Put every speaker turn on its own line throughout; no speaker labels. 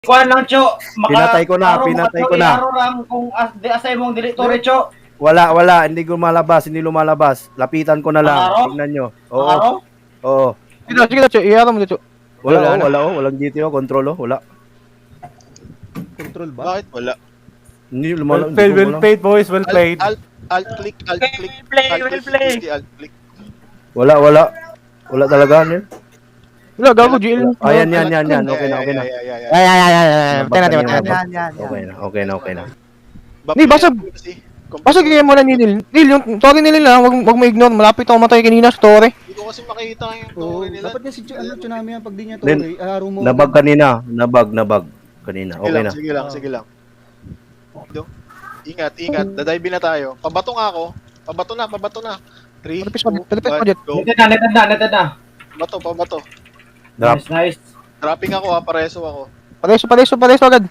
Kuan lang, Cho.
Pinatay ko na, pinatay ko na.
Aro lang kung asay mong dili tore, Cho.
Wala, hindi lumalabas. Lapitan ko na lang.
Ang araw?
Tingnan nyo.
Ang araw?
Oo.
Sige na, Cho. Iara mo na, Cho.
Wala, walang GTO, control, wala.
Control ba?
Bakit wala?
Hindi
Well
lumalabas.
played, well played, boys. Well played.
Alt click, alt click.
Well play.
Alt click.
Wala. Wala talaga, ano yun?
Wala, gago, GL.
Ayan. Okay na.
Ay. Patay natin.
Okay na.
Ni, basag. Basag kaya mo na ni Nil. Nil, yung story nila lang, wag mo ignore. Malapit ako matay kanina sa story.
Hindi ko kasi makita yung
Oo,
story nila.
dapat nga si Tsunami yan pag di niya to,
Then,
araw mo.
Nabag kanina. Nabag. Kanina. Okay na.
Sige lang. Ingat. Dadive na tayo. Pabato nga ako. Pabato na. 3, 2,
Palipis mo,
1,
Jet.
go.
Netad na.
Pabato.
Drop.
Nice.
Dropping ako ha, pareso ako.
Pareso agad.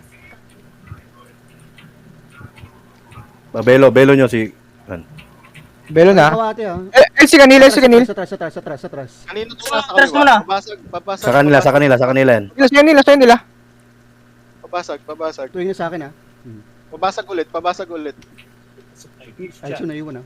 Belo nyo si...
Belo na.
Kawate ah.
Si Kanil.
Sa atras.
Kanino to nasa
Atras
kaliwa?
mo na.
Babasag.
Sa kanila yan.
Sa nila.
Babasag.
Tuwing na sa akin ah.
Babasag ulit.
Ay, so naiwan ah.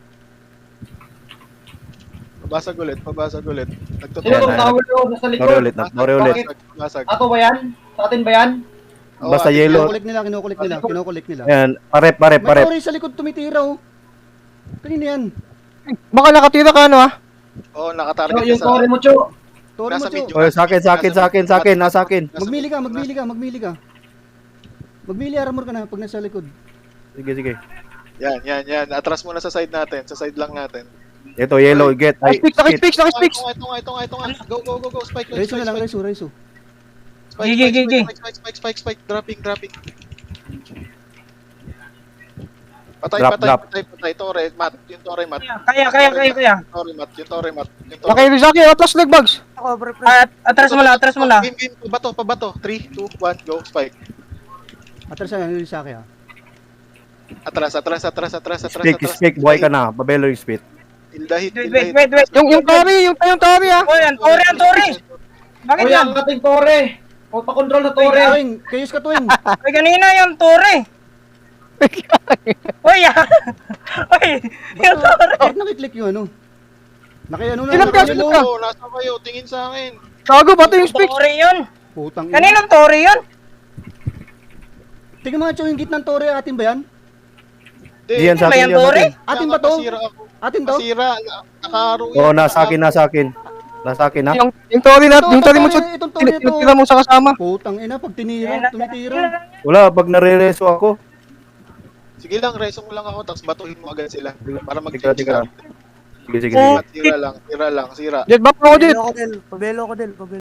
Babasag ulit.
Sino tong tawel ko nasa likod?
Nore ulit.
Babasag.
Ato ba yan? Sa atin ba yan?
Basta yellow.
Kinukulik nila.
Ayan, parep.
May tori sa likod tumitira oh. Kanina yan.
Baka nakatira ka ano ah.
Oo,
Cho,
nakatarget
yung
ka
tore mo, Cho.
Tori mo,
Nasa
Cho.
medyo.
Oh, sa akin. Nasa akin.
Magmili ka. Magmili armor ka na pag nasa likod.
Sige.
Yan. Atras muna sa side natin. Sa side lang natin.
Ito, yellow, get.
Nakispeaks.
Ito nga. Go. Spike.
Raiso na lang, Raiso.
Spike. Dropping. Patay. Tore, mat. Yung tore, mat.
Kaya.
Tore, mat.
Okay, Rizaki. Atlas leg bags.
Atras mo na.
Game. Pabato. 3, 2, 1, go. Spike.
Atras na lang sa akin ah.
Atras.
Speak, buhay ka na. Babelo yung speed.
Hit.
Wait.
Yung Tori ah.
Oh, yan, tore. Bakit yan? Ang ating tore. O, pa-control na tore.
Kayos ka tuwing.
Ay, kanina yung tore. Uy, yung tore.
Bakit nakiklik yung ano? Nakiano na.
Ilang kaso ka?
Nasa kayo, tingin sa akin.
Gago, bato yung speaks.
Tore yun.
Putang ina.
Kaninong tore yun?
Tingnan mo nga Cho, yung gitnang tore atin ba yan?
Diyan sa
Ba
akin
yan, tore?
Atin ba to?
Masira ako.
Atin to?
Masira. Nakaro
Oo, nasa akin. Nasa akin, ha?
Yung Tori na, yung Tori mo, Cho.
Itong tore to.
Tinitira mo sa kasama.
Putang ina, pag tinira, tumitira.
Wala, pag nare-reso ako.
Sige lang, reso mo lang ako, tapos batuhin mo agad sila. Para
Tika.
mag-change
Sige.
Tira lang.
Jet, back ako, Jet.
Pabelo ko del.